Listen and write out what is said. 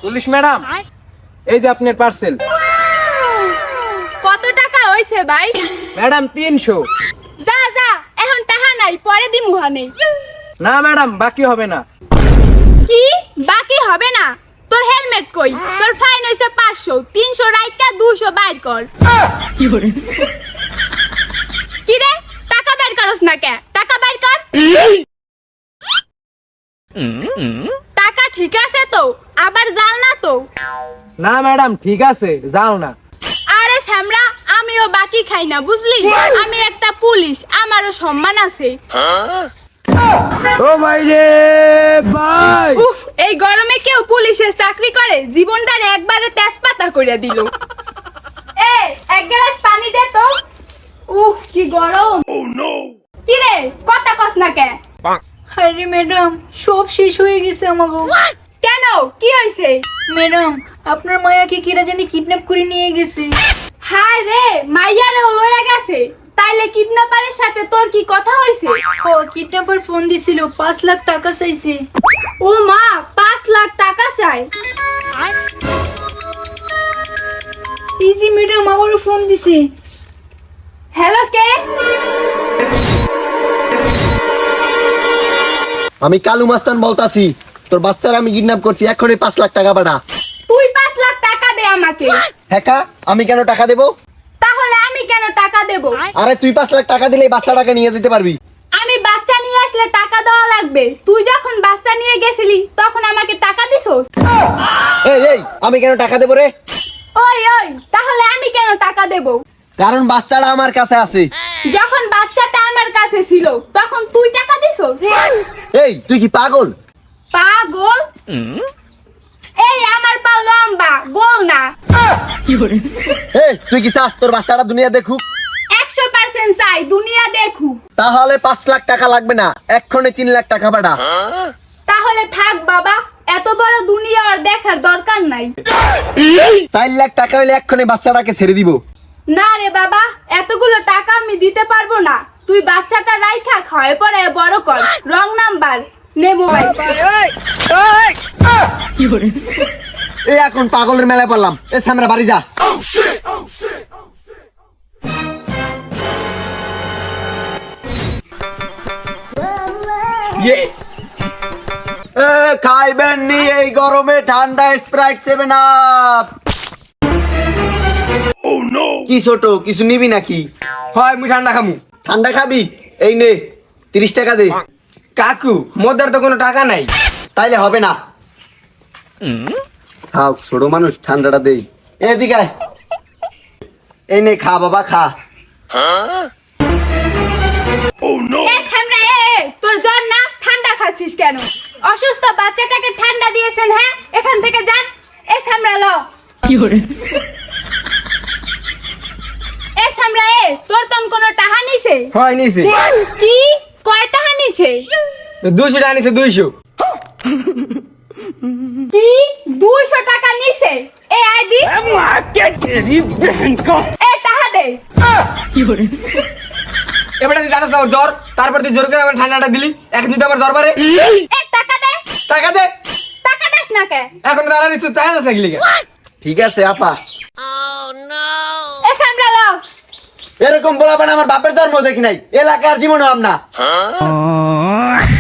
Police madam, এই যে আপনার পার্সেল। কত টাকা হইছে ভাই? ম্যাডাম 300। যা যা, এখন টাকা নাই, পরে দিমু হানে। না ম্যাডাম, বাকি হবে না। কি বাকি হবে না? তোর হেলমেট কই? তোর ফাইন হইছে 500, 300 রাইকা 200 বাইর কর। কি রে, টাকা বাইর করস না কে? টাকা বাইর কর। টাকা ঠিক আছে তো? আবার জাল না তো? না ম্যাডাম, ঠিক আছে, যাও না। আরে শ্যামরা, আমিও বাকি খাই না, বুঝলি? আমি একটা পুলিশ, আমারও সম্মান আছে। ও ভাই রে ভাই, উফ, এই গরমে কেউ পুলিশের চাকরি করে? জীবনটার একবারে তেজপাতা কইরা দিল। এ, এক গ্লাস পানি দে তো। উফ, কি গরম। কি রে, কথা কস না কে? আরে ম্যাডাম, সব শেষ হয়ে গেছে আমাকে। কেন, কি হইছে? ম্যাডাম, আপনার মায়াকে কিরা জানি কিডন্যাপ করে নিয়ে গেছে। হায় রে, মাইয়ারে লয়ে গেছে। তাইলে কিডন্যাপারের সাথে তোর কি কথা হইছে? ও কিডন্যাপার ফোন দিছিল, 5 লাখ টাকা চাইছে। ও মা, 5 লাখ টাকা চাই? ইজি ম্যাডাম আবারও ফোন দিছে। হ্যালো, কে? আমি কালু মাস্তান বলতাছি, তোর বাচ্চার আমি কিডন্যাপ করছি, এখনই 5 লাখ টাকা পাঠা। তুই 5 লাখ টাকা দে আমাকে। হ্যাঁ, আমি কেন টাকা দেবো? তাহলে আমি কেন টাকা দেব? আরে তুই 5 লাখ টাকা দিলেই বাচ্চাটাকে নিয়ে যেতে পারবি। আমি বাচ্চা নিয়ে আসলে টাকা দেওয়া লাগবে। তুই যখন বাচ্চা নিয়ে গেছিলি তখন আমাকে টাকা দিছস? এই আমি কেন টাকা দেবো রে? ওই ওই, তাহলে আমি কেন টাকা দেব? কারণ বাচ্চাটা আমার কাছে আছে। যখন বাচ্চাটা আমার কাছে ছিল তখন তুই টাকা দিছস? এই তুই কি পাগল? পাগল? এই আমার পা লম্বা, গোল না। এই তুই কি চাস তোর বাচ্চাটা দুনিয়া দেখুক? 100% চাই দুনিয়া দেখুক। তাহলে 5 লাখ টাকা লাগবে না, এক্ষুনি 3 লাখ টাকা পাঠা। তাহলে থাক বাবা, এত বড় দুনিয়া আর দেখার দরকার নাই। 4 লাখ টাকা হইলে এক্ষুনি বাচ্চাটাকে ছেড়ে দিব। না রে বাবা, এতগুলো টাকা আমি দিতে পারবো না। তুই বাচ্চাটা রাইখা খাওয়ায় পরে বড় কর। রং নাম্বার, নে মোবাইল। এই এখন পাগলের মেলায় পড়লাম। এ সামরা বাড়ি যা। ইয়ে, এ খাইবেন নি এই গরমে ঠান্ডা স্প্রাইট 7 আপ? কি ছোট কিছু নিবি নাকি? হয় মুই ঠান্ডা খামু। ঠান্ডা খাবি? এই নে 30 টাকা দে। কাকু, মোদের তো কোনো টাকা নাই। তাইলে হবে না। খাও, ছোট মানুষ, ঠান্ডাটা দেই। এদিকে আয়। এই নে খা বাবা, খা। এ থামরা, তোর জ্বর না? ঠান্ডা খাচ্ছিস কেন? অসুস্থ বাচ্চাটাকে ঠান্ডা দিয়েছেন? হ্যাঁ, এখান থেকে যান। এ থামরা ল। এ থামরা, তোর তন কোনো টাকা নিছে? হয় নিছে। কি কয় টাকা নিছে? 200 টাকা নিছে, 200। কি 200 টাকা নিছে? এ আইডি এ টাকা দে। এবারে তুই জানাস না আমার জ্বর, তারপর তুই জোর করে আমার ঠান্ডাটা দিলি। এখন তুই তো আমার জ্বর বাড়ে। এ টাকা দে। টাকা দে। টাকা দেস না কে? এখন দাঁড়া নিচ্ছ, টাকা দাস নাকি লিখে? ঠিক আছে আপা। এ থামরা ল। এরকম বলাবেন, আমার বাপের জন্ম দেখি নাই, এলাকার জীবনও আমনা।